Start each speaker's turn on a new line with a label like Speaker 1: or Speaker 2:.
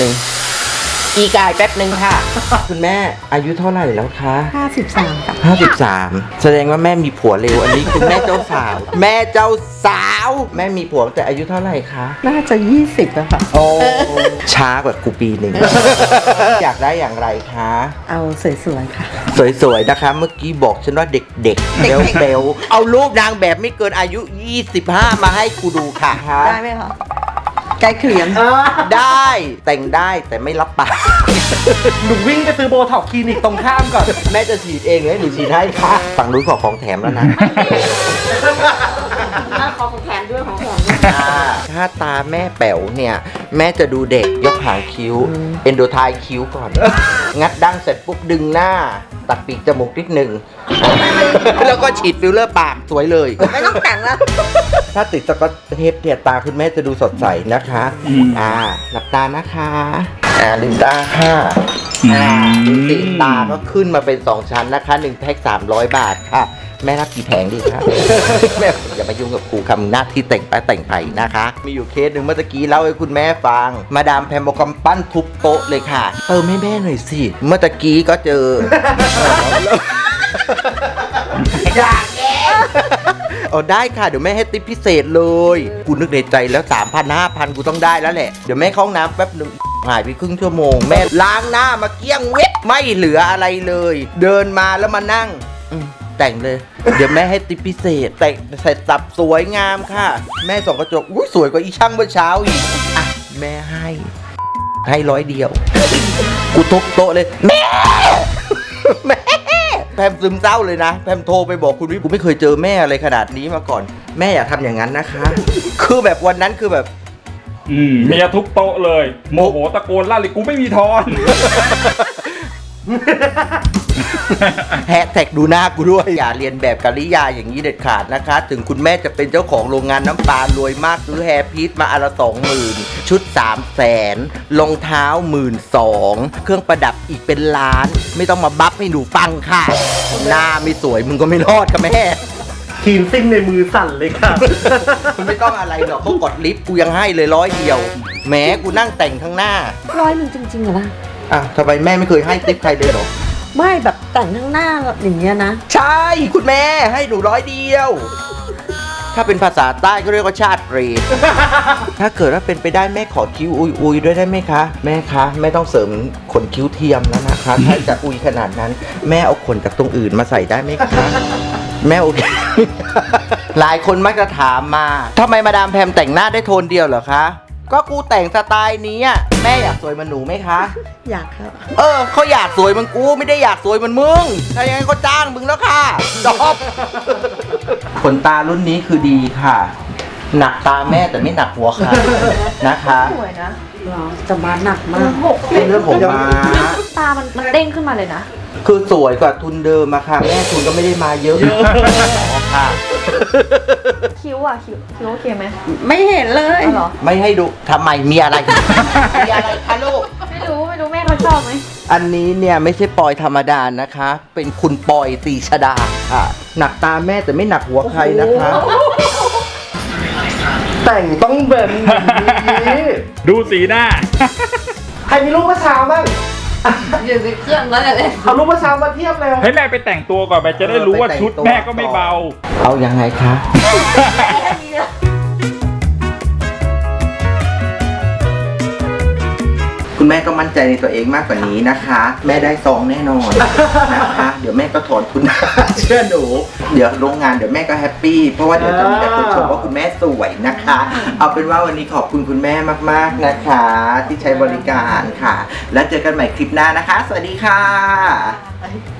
Speaker 1: หนึ่งอีกายแป๊บหนึ่งค่ะ คุณแม่อายุเท่าไหร่แล้วคะ
Speaker 2: 53ค่ะ
Speaker 1: 53แสดงว่าแม่มีผัวเร็วอันนี้คือแม่เจ้าสาว แม่เจ้าสาวแม่มีผัวแต่อายุเท่าไหร่คะ
Speaker 2: น่าจะ20แล้วค่ะ
Speaker 1: โอ้ช้ากว่ากูปีหนึ่ง อยากได้อย่างไรคะ
Speaker 2: เอาสวยๆค่ะ
Speaker 1: สวยๆนะคะ เมื่อกี้บอกฉันว่าเด็กๆเบลๆเอารูปนางแบบไม่เกินอายุ 25 มาให้กูดูค่ะ
Speaker 2: ได้ไหมคะใกล้เคียง
Speaker 1: ได้แต่งได้แต่ไม่รับปาก
Speaker 3: หนูวิ่งไปซื้อโบท็อกซ์คลินิกตรงข้ามก่อน
Speaker 1: แม่จะฉีดเองเลยหนูฉีดให้ค่ะฝั่งนู้นขอของแถมแล้วนะ
Speaker 2: ขอของแถมด้วยของแถมด้วย
Speaker 1: ถ้าตาแม่แป๋วเนี่ยแม่จะดูเด็กยกหางคิ้ว เอนโดไทคิ้วก่อน งัดดั้งเสร็จปุ๊บดึงหน้า ตัดปีกจมูกนิดหนึ่ง แล้วก็ฉีดฟิลเลอร์ปากสวยเลย
Speaker 2: ไม่ต้องแต่งแล้ว
Speaker 1: ถ้าติดสกอตเทปเนี่ยตาคุณแม่จะดูสดใสนะคะหลับตานะคะลืมตาค่ะดูสิตาก็ขึ้นมาเป็น2ชั้นนะคะ1แพ็ค300 บาทค่ะ แม่รับกี่แผงดีคะ แม่อย่ามายุ่งกับครูคำหน้าที่แต่งไปแต่งไปนะคะ มีอยู่เคสหนึ่งเมื่อตะกี้เล่าให้คุณแม่ฟัง มาดามแพมบอกกำปั้นทุบโต๊ะเลยค่ะเติมให้แม่หน่อยสิ เมื่อตะกี้ก็เจอ อยากแกเอาได้ค่ะเดี๋ยวแม่ให้ติ๊บพิเศษเลยกูนึกในใจแล้ว 3,000 5,000 กูต้องได้แล้วแหละเดี๋ยวแม่เข้าห้องน้ำแป๊บหนึ่งหายไปครึ่งชั่วโมงแม่ล้างหน้ามาเกลี้ยงเว็บไม่เหลืออะไรเลย เดินมาแล้วมานั่งแต่งเลย เดี๋ยวแม่ให้ติ๊บพิเศษแต่งเสร็จสับสวยงามค่ะ แม่ส่องกระจกอุ้ยสวยกว่าอีช่างเมื่อเช้าอีกอ่ะแม่ให้100 เดียวกูทุบโต๊ะเลยแม่ แม่แพมซึมเศร้าเลยนะแพมโทรไปบอกคุณวิกูไม่เคยเจอแม่อะไรขนาดนี้มาก่อน แม่อย่าทำอย่างนั้นนะคะ คือแบบวันนั้นคือแบบ
Speaker 4: เมียทุบโต๊ะเลยโมโหตะโกนลั่นเลยกูไม่มีทอน
Speaker 1: แฮชแท็กดูหน้ากูด้วย อย่าเรียนแบบกริยาอย่างนี้เด็ดขาดนะคะ ถึงคุณแม่จะเป็นเจ้าของโรงงานน้ำปลารวยมากซื้อแฮร์พีทมาอันละ20,000 ชุด 300,000รองเท้า12,000 เครื่องประดับอีกเป็นล้าน ไม่ต้องมาบัฟให้หนูฟังค่ะ หน้าไม่สวยมึงก็ไม่รอดค่ะแม่
Speaker 3: ทีมซิ่งในมือสั่นเลยค่ะ
Speaker 1: มันไม่ต้องอะไรหรอกเขากดลิฟต์กูยังให้เลย100 เดียวแหมกูนั่งแต่งข้างหน้า
Speaker 2: 100จริงๆเหรอล่ะ
Speaker 1: อ่ะทำไมแม่ไม่เคยให้ติ๊บใครเลยเหรอ
Speaker 2: ไม่แบบแต่งข้างหน้าอย่างเงี้ยนะ
Speaker 1: ใช่คุณแม่ให้หนู100 เดียว ถ้าเป็นภาษาใต้ก็เรียกว่าชาติเปรต ถ้าเกิดว่าเป็นไปได้แม่ขอคิ้วอุยด้วยได้ไหมคะ แม่คะแม่ต้องเสริมขนคิ้วเทียมแล้วนะคะ ถ้าจะอุยขนาดนั้น แม่เอาขนจากตรงอื่นมาใส่ได้ไหมคะ แม่โอเค หลายคนมักจะถามมาทำไมมาดามแพมแต่งหน้าได้โทนเดียวเหรอคะ ก็กูแต่งสไตล์นี้อะแม่อยากสวยเหมันหนูไหมคะ
Speaker 2: อยากครับ
Speaker 1: เขาอยากสวยเหมันกูไม่ได้อยากสวยเหมันมึง ถ้าอย่างนั้นเขาจ้างมึงแล้วค่ะจบ ขนตารุ่นนี้คือดีค่ะ หนักตาแม่แต่ไม่หนักหัวค่ะนะคะ
Speaker 5: สวยนะ
Speaker 2: หรอจะมาหนักมาก
Speaker 1: เป็นเรื่องของม้า
Speaker 5: ตามันเด้งขึ้นมาเลยนะ
Speaker 1: คือสวยกว่าทุนเดิมอะค่ะ แม่ทุนก็ไม่ได้มาเยอะค่ะ
Speaker 5: คิ้วอ่ะ คิ้วโอเคไหม
Speaker 2: ไม่เห็นเลย
Speaker 5: เอาเหรอ
Speaker 1: ไม่ให้ดูทำไมมีอะไร มีอะไรคะลูก
Speaker 5: ไม่รู้แม่เขาชอบไหม
Speaker 1: อันนี้เนี่ยไม่ใช่ปอยธรรมดานะคะ เป็นคุณปอยตีชดาค่ะ หนักตาแม่แต่ไม่หนักหัวใครนะคะ
Speaker 3: แต่งต้องแบบนี้
Speaker 4: ดูสีหน้า
Speaker 3: ใครมีรูปเมื่อเช้าบ้าง
Speaker 5: อยู่ในเครื่องแล้วเลย
Speaker 3: เอารูปเมื่อเช้ามาเทียบเร็ว
Speaker 4: ให้แม่ไปแต่งตัวก่อนไปจะได้รู้ว่าชุดแม่ก็ไม่เบา
Speaker 1: เอายังไงคะ คุณแม่ต้องมั่นใจในตัวเองมากกว่านี้นะคะ แม่ได้ซองแน่นอนนะคะ เดี๋ยวแม่ก็ถอนทุน เชื่อหนู เดี๋ยวโรงงานเดี๋ยวแม่ก็แฮปปี้เพราะว่าเดี๋ยวจะมีแต่คนชมว่าคุณแม่สวยนะคะ เอาเป็นว่าวันนี้ขอบคุณคุณแม่มากๆนะคะ ที่ใช้บริการค่ะ แล้วเจอกันใหม่คลิปหน้านะคะ สวัสดีค่ะ